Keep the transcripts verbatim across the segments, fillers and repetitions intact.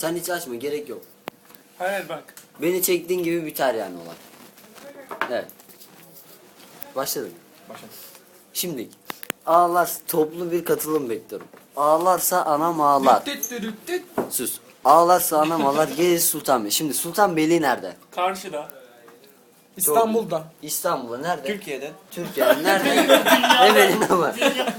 Sen hiç açma, gerek yok. Hayır bak. Beni çektiğin gibi biter yani olay. Evet. Başladık. Başladık. Şimdi ağlar, toplu bir katılım bekliyorum. Ağlarsa anam ağlar. Düt düt düt düt. Sus. Ağlarsa anam ağlar. Gelir Sultanbeyli. Şimdi Sultanbeyli nerede? Karşıda. İstanbul'da. İstanbul'da nerede? Türkiye'de. Türkiye'de nerede? Evelin ama.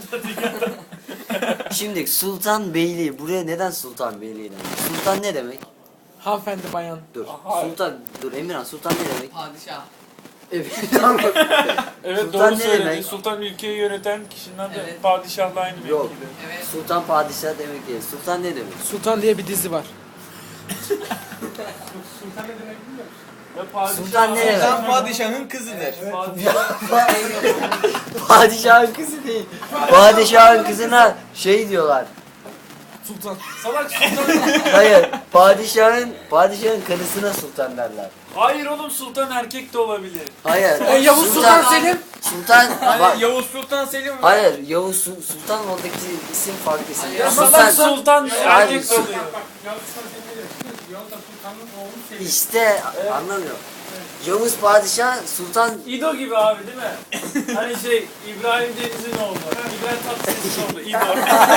Şimdi Sultanbeyli. Buraya neden Sultanbeyli demek? Sultan ne demek? Hanımefendi bayan. Dur. Aha. Sultan. Dur Emirhan. Sultan ne demek? Padişah. Evet. Tamam. Evet Sultan doğru ne söyledi. demek? Sultan ülkeyi yöneten kişinin adı Evet. padişahla aynı Yok. mevkide. Evet. Sultan padişah demek değil. Sultan ne demek? Sultan diye bir dizi var. Ve padişah, Sultan ne demek? Sultan padişahın kızıdır. Padişah, Padişahın kızı değil. Padişahın kızına şey diyorlar. Sultan. salak sultan. Hayır. Padişahın padişahın karısına sultan derler. Hayır oğlum sultan erkek de olabilir. Hayır. E, Yavuz Sultan Selim. Sultan Hani bak. Yavuz Sultan Selim mi? Hayır. Yavuz Su- Sultan oradaki isim farklı isim. Hayır, Ya Salak Sultan sultan erkek Hayır, oluyor. işte anlamıyorum. Yavuz padişah sultan İdo gibi abi değil mi? Hani şey İbrahim Deniz'in oğlu. İbrahim Tatlıses'in oğlu. İdo.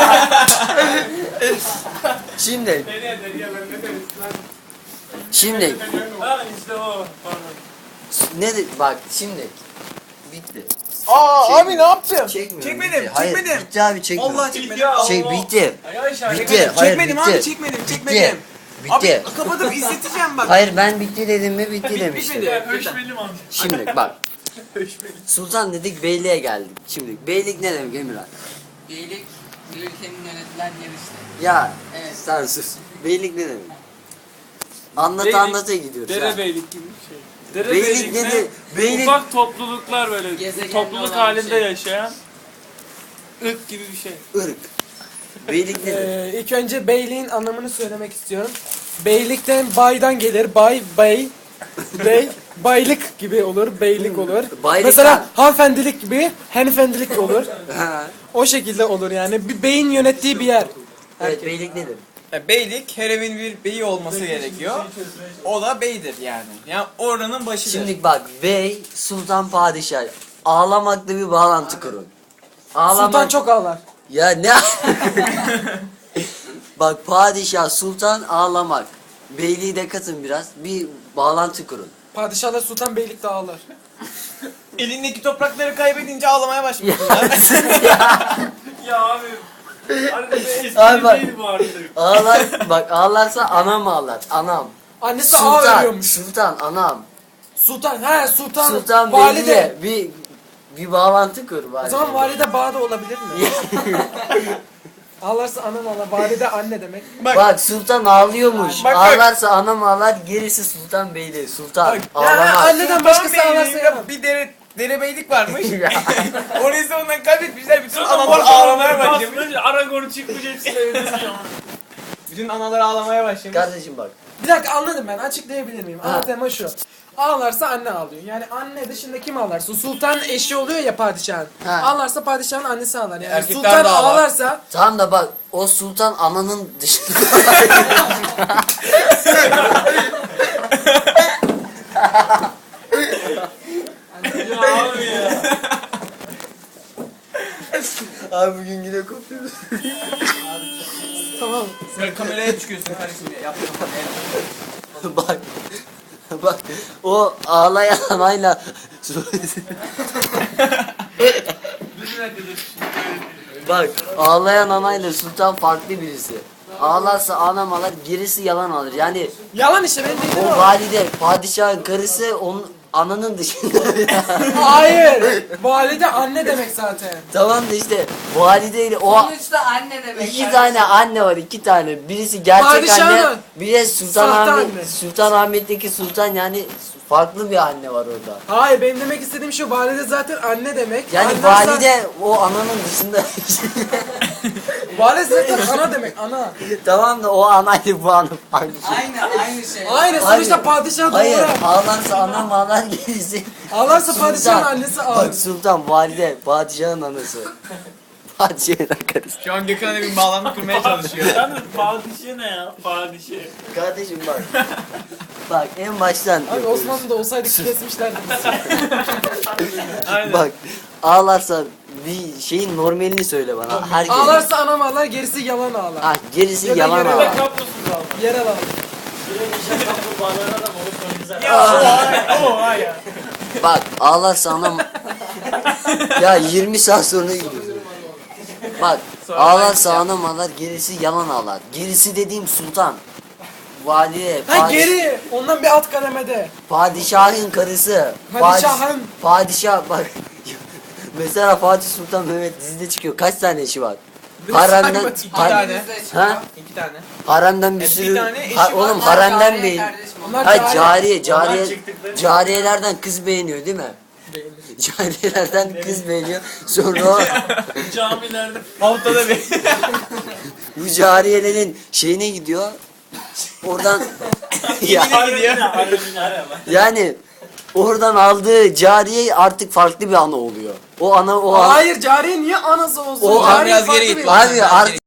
şimdi Nereye nereye ben ne derim? şimdi Ha işte o. Pardon. ne de, bak şimdi bitti. Aa Şey- abi ne yaptın? Çekmiyorum. Çekmedim, bitti. Hayır, çekmedim. bitti abi çekmiyorum. Vallahi çekmedim. Ya Şey Allah. bitti. Arkadaşlar Bitti. Çekmedim, Hayır, çekmedim bitti. abi çekmedim çekmedim. Bitti. Abi kapatıp izleteceğim bak. Hayır ben bitti dedim mi bitti Bit- demiştim. bitmedi. Ya höşmelim amca. Şimdi bak Höşmelim. sultan dedik beyliğe geldik. Şimdi beylik ne demek Emirhan? Beylik bir ülkenin yönetilen yeri işte. Ya Evet. sen sus. Beylik ne demek? Anlat Beylik, anlata gidiyoruz. ha. Derebeylik gibi bir şey. Beylik Derebeylik ne? nedir? Beylik Ufak topluluklar böyle Gezegenli topluluk olan halinde bir şey. yaşayan ırk gibi bir şey. ırk. Beylik nedir? Ee, ilk önce beyliğin anlamını söylemek istiyorum. Beylikten baydan gelir. Bay, bey, bey, baylık gibi olur. Beylik olur. Baylıktan. Mesela hanımefendilik gibi hanımefendilik olur. Ha. O şekilde olur yani. Bir beyin yönettiği bir yer. Evet beylik nedir? Ya, beylik her evin bir beyi olması gerekiyor. O da beydir yani. Yani oranın başıdır. Şimdi bak bey, sultan, padişah. Ağlamakla bir bağlantı kurun. Ağlamak... Sultan çok ağlar. Ya ne? Bak padişah, sultan, ağlamak. Beyliği de katın biraz. Bir bağlantı kurun. Padişahlar sultan beylik de ağlar. elindeki toprakları kaybedince ağlamaya başlıyor. Ya abi. Harbiden eski Abi bak. değil bu artık. Ağlar, bak ağlarsa anam ağlar. Anam. Annesi ağ Sultan, veriyormuş. sultan, anam. Sultan, he sultan, Sultan valide. beyliğe bir bir bağlantı kur O bari. zaman valide bağ da olabilir mi? Ağlarsa anam ağlar, valide anne demek. Bak sultan ağlıyormuş. Bak, bak. Ağlarsa anam ağlar, gerisi sultan beyliği. Sultan Bak, ağlamaz. Ya anneden başkası Sultan ağlarsa Beyliği'nde yaramaz. bir dere, derebeylik varmış. Ya. Orayı sonundan kaybetmişler. Bütün Zaten analar orada ağlamaya başlamış. basmış, Aragorn çıkmış hepsini öldürüyor. Bütün analar ağlamaya başlamış. Kardeşim bak. Bir dakika anladım ben, açıklayabilir miyim? Ha. Ana tema şu. Ağlarsa anne ağlıyor. Yani anne dışında kim ağlarsa? Sultan eşi oluyor ya padişahın. Ha. Ağlarsa padişahın annesi ağlar. Yani Erkekler sultan de ağlar. ağlarsa Tamam da bak o sultan ananın dışında. Ya abi ya. Abi bugün yine kopuyoruz. tamam. Sen kameraya çıkıyorsun kardeşim ya. Yaptım. Bak. Bak o ağlayan anayla bak ağlayan anayla sultan farklı birisi. Ağlarsa anam ağlar, gerisi yalan alır. Yani Yalan işte benim dediğim o o. valide, padişahın karısı onun ananın dışında. Hayır. Valide anne demek zaten. Tamam da işte valideyle o Sonuçta anne demek. iki tane anne var, iki tane. Birisi gerçek Padişahın. anne, bir de Sultan Sahte Ahmet, anne. Sultan Ahmet'teki sultan yani farklı bir anne var orada. Hayır benim demek istediğim şu, valide zaten anne demek. Yani Anne valide o ananın dışında. zaten- Valide zaten ana demek, ana. Tamam da o anayla bu ana farklı şey. Aynı aynı şey. Aynı Hayır. sonuçta padişah Hayır, doğru. ağlarsa anam ağlar gerisi. Ağlarsa Sultan. padişahın annesi ağlar. Bak sultan, valide, padişahın anası. Padişahın karısı. Şu an Gökhan'a bir bağlantı kurmaya çalışıyor. Yalnız padişah ne ya? Padişah. Kardeşim bak. Bak en baştan Abi yapıyoruz. Osmanlı'da olsaydık kesmişlerdi bizi. Aynen. Bak ağlarsan bir şeyin normalini söyle bana. Herkes. Ağlarsa anam ağlar, gerisi yalan ağlar. Ah gerisi Ya da yalan yere Bir de ağlar. kablosuz aldı. Yerel ağlar. Bir de bir şey kaplumbağaların adam olup çok güzel. Ya, Ya o o ya. Bak ağlarsa anam. Ya yirmi saat sonra gidiyoruz. Bak Sonra ağlarsa ben- anam ağlar gerisi yalan ağlar. Gerisi dediğim sultan. Valide, Ha padiş- geri, ondan bir alt kademede. padişahın karısı. Padişahın. Padiş- Padişah bak. Mesela Fatih Sultan Mehmet dizide çıkıyor. Kaç tane eşi var? Haremden, saymadım. İki har- tane. ha? İki tane. Haremden bir E, bir sürü, tane eşi ha- var. oğlum Onlar haremden cariye beğen, kardeşim, Onlar ha cariye. cariye, cariye, Onlar çıktıkları- cariyelerden kız beğeniyor değil mi? Cariyelerden kız beğeniyor. Sonra o, Camilerde Haftada bir. bu cariyelerin şeyine gidiyor. Oradan ya, haremine haremine haremine. yani oradan aldığı cariye artık farklı bir ana oluyor. O ana o ana, Hayır, cariye niye anası olsun? O- Cariye Biraz geri farklı git bir- lan. abi artık